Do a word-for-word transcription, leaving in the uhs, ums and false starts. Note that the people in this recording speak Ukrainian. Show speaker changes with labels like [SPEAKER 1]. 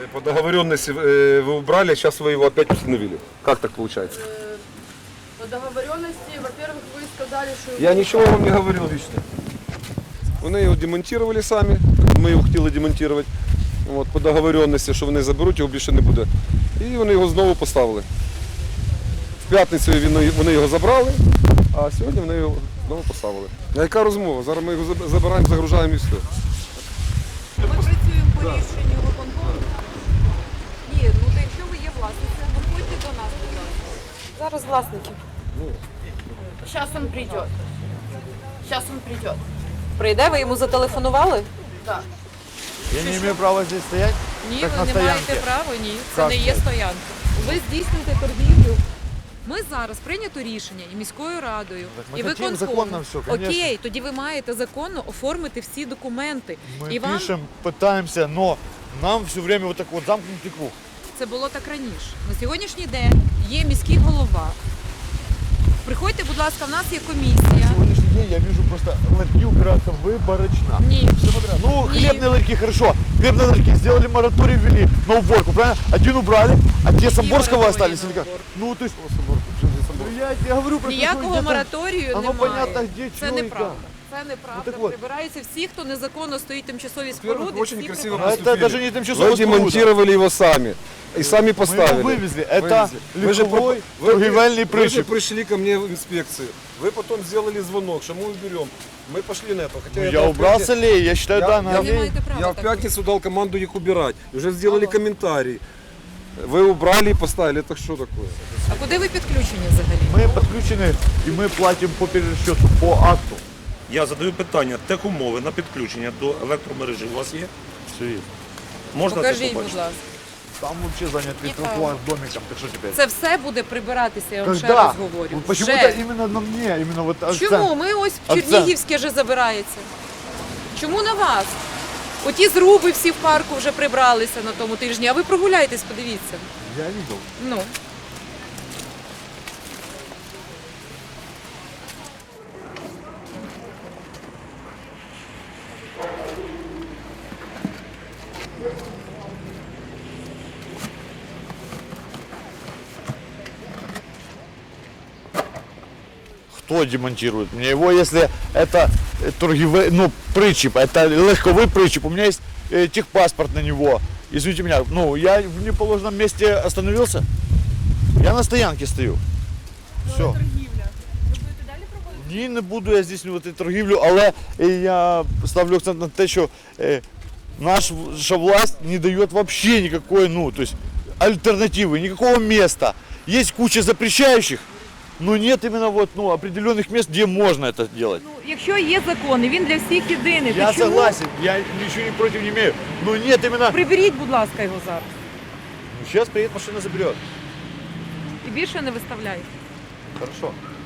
[SPEAKER 1] По договоренности э, вы убрали, а сейчас вы его опять установили. Как так получается?
[SPEAKER 2] По договоренности, во-первых, вы сказали, что...
[SPEAKER 1] Я ничего вам не говорил лично. Вони його демонтували самі, ми його хотіли демонтувати. От, по договоренності, що вони заберуть, його більше не буде. І вони його знову поставили. В п'ятницю вони його забрали, а сьогодні вони його знову поставили. А яка розмова? Зараз ми його забираємо, загружаємо і все.
[SPEAKER 3] Ми працюємо по рішенню виконкому. Ні, ну то якщо ви є власниця, виходьте до нас, будь ласка.
[SPEAKER 2] Зараз власники. Сейчас он придет. Сейчас он придет.
[SPEAKER 3] Прийде, ви йому зателефонували?
[SPEAKER 2] Да.
[SPEAKER 4] Я не имею права здесь стоять?
[SPEAKER 3] Ні,
[SPEAKER 4] Как
[SPEAKER 3] ви
[SPEAKER 4] на
[SPEAKER 3] не
[SPEAKER 4] стоянке.
[SPEAKER 3] маєте права, ні. Це
[SPEAKER 4] Как
[SPEAKER 3] не є
[SPEAKER 4] так?
[SPEAKER 3] стоянка. Ви здійснюєте торгівлю. Ми зараз прийнято рішення і міською радою,
[SPEAKER 4] Так ми
[SPEAKER 3] і
[SPEAKER 4] хотім
[SPEAKER 3] виконкомом.
[SPEAKER 4] законно все, конечно.
[SPEAKER 3] Окей, тоді ви маєте законно оформити всі документи.
[SPEAKER 4] Мы
[SPEAKER 3] і вам
[SPEAKER 4] пишем, пытаемся, но нам все время вот так вот замкнутый круг.
[SPEAKER 3] це було так раніше. На сьогоднішній день є міський голова. Приходьте, будь ласка, в нас є комісія.
[SPEAKER 4] Сегодняшний день я вижу просто ларьки убираться выборочно.
[SPEAKER 3] Ні.
[SPEAKER 4] Все подряд. Ну,
[SPEAKER 3] Не.
[SPEAKER 4] хлебные ларьки, хорошо. Хлебные ларьки сделали мораторий, ввели на уборку, правильно? Один убрали, а те Самборского
[SPEAKER 3] мораторий
[SPEAKER 4] остались
[SPEAKER 3] на
[SPEAKER 4] или как?
[SPEAKER 3] уборку?
[SPEAKER 4] Ну, то есть... Ну, я, я говорю про то, что
[SPEAKER 3] Ніякого
[SPEAKER 4] где-то
[SPEAKER 3] мораторію
[SPEAKER 4] оно
[SPEAKER 3] немає.
[SPEAKER 4] понятно, где,
[SPEAKER 3] Це
[SPEAKER 4] чего и
[SPEAKER 3] неправда.
[SPEAKER 4] как.
[SPEAKER 3] Це неправда.
[SPEAKER 4] Ну, так от.
[SPEAKER 3] Прибираються всі, хто незаконно стоїть тимчасові
[SPEAKER 1] Во-первых,
[SPEAKER 3] споруди.
[SPEAKER 1] очень
[SPEAKER 3] всі
[SPEAKER 1] красиво
[SPEAKER 4] А
[SPEAKER 3] прибираються.
[SPEAKER 4] это даже не тимчасово
[SPEAKER 1] Вы демонтировали его сами. И сами поставили.
[SPEAKER 4] Мы его вывезли. Это
[SPEAKER 1] Вы же
[SPEAKER 4] легковой
[SPEAKER 1] про- вы-
[SPEAKER 4] торгівельний
[SPEAKER 1] Вы же
[SPEAKER 4] причіп.
[SPEAKER 1] пришли ко мне в инспекцию. Вы потом сделали звонок, что мы уберем. Мы пошли на это. Хотя
[SPEAKER 4] Ну,
[SPEAKER 1] это
[SPEAKER 4] я
[SPEAKER 1] в
[SPEAKER 4] убрал
[SPEAKER 1] пятни-
[SPEAKER 4] с аллеи, я считаю,
[SPEAKER 1] Я-
[SPEAKER 4] да, на
[SPEAKER 1] я-
[SPEAKER 3] Ви не
[SPEAKER 4] аллее.
[SPEAKER 3] маєте права
[SPEAKER 1] Я в
[SPEAKER 3] так
[SPEAKER 1] пятницу дал команду их убирать. Уже сделали
[SPEAKER 3] Алло.
[SPEAKER 1] комментарий. Вы убрали и поставили. Это что такое?
[SPEAKER 3] А куди ви підключені взагалі?
[SPEAKER 4] Мы подключены и мы платим по перерасчету, по акту.
[SPEAKER 5] Я задаю питання, техумови на підключення до електромережі у вас є?
[SPEAKER 4] Все есть.
[SPEAKER 5] Можна це
[SPEAKER 3] Покажіть, будь
[SPEAKER 5] побачити?
[SPEAKER 3] ласка.
[SPEAKER 4] Там вообще занятый
[SPEAKER 3] Ні,
[SPEAKER 4] тротуар с домиком, так что теперь?
[SPEAKER 3] Це все буде прибиратися, я вам ще
[SPEAKER 4] Когда?
[SPEAKER 3] раз говорю.
[SPEAKER 4] Вот почему-то
[SPEAKER 3] Вже.
[SPEAKER 4] именно на мне, именно вот акцент.
[SPEAKER 3] Чому? Ми ось в
[SPEAKER 4] Акцент.
[SPEAKER 3] Чернігівське вже забирається. Чому на вас? Оті зруби всі в парку вже прибралися на тому тижні, а ви прогуляйтесь, подивіться.
[SPEAKER 4] Я видел.
[SPEAKER 3] Ну.
[SPEAKER 4] Кто демонтирует мне его, если это э, торгіве, ну, причіп, это легковый причіп, у меня есть э, техпаспорт на него. Извините меня, ну, я в неположенном месте остановился, я на стоянке стою. Все. Ні, не буду я здійснювати торгівлю, але е, я ставлю акцент на те, що е, наша власть не дає вообще никакой, ну, то есть альтернативы, никакого места. Есть куча запрещающих, но нет именно вот, ну, определенных мест, где можно это делать.
[SPEAKER 3] Ну, якщо є закон, і він для всіх єдиний,
[SPEAKER 4] Я
[SPEAKER 3] то чому?
[SPEAKER 4] согласен, я ничего не против не имею, но нет именно...
[SPEAKER 3] Приберіть, будь ласка, його зараз.
[SPEAKER 4] Ну, сейчас приедет машина, заберет.
[SPEAKER 3] І більше не виставляйте.
[SPEAKER 4] Хорошо.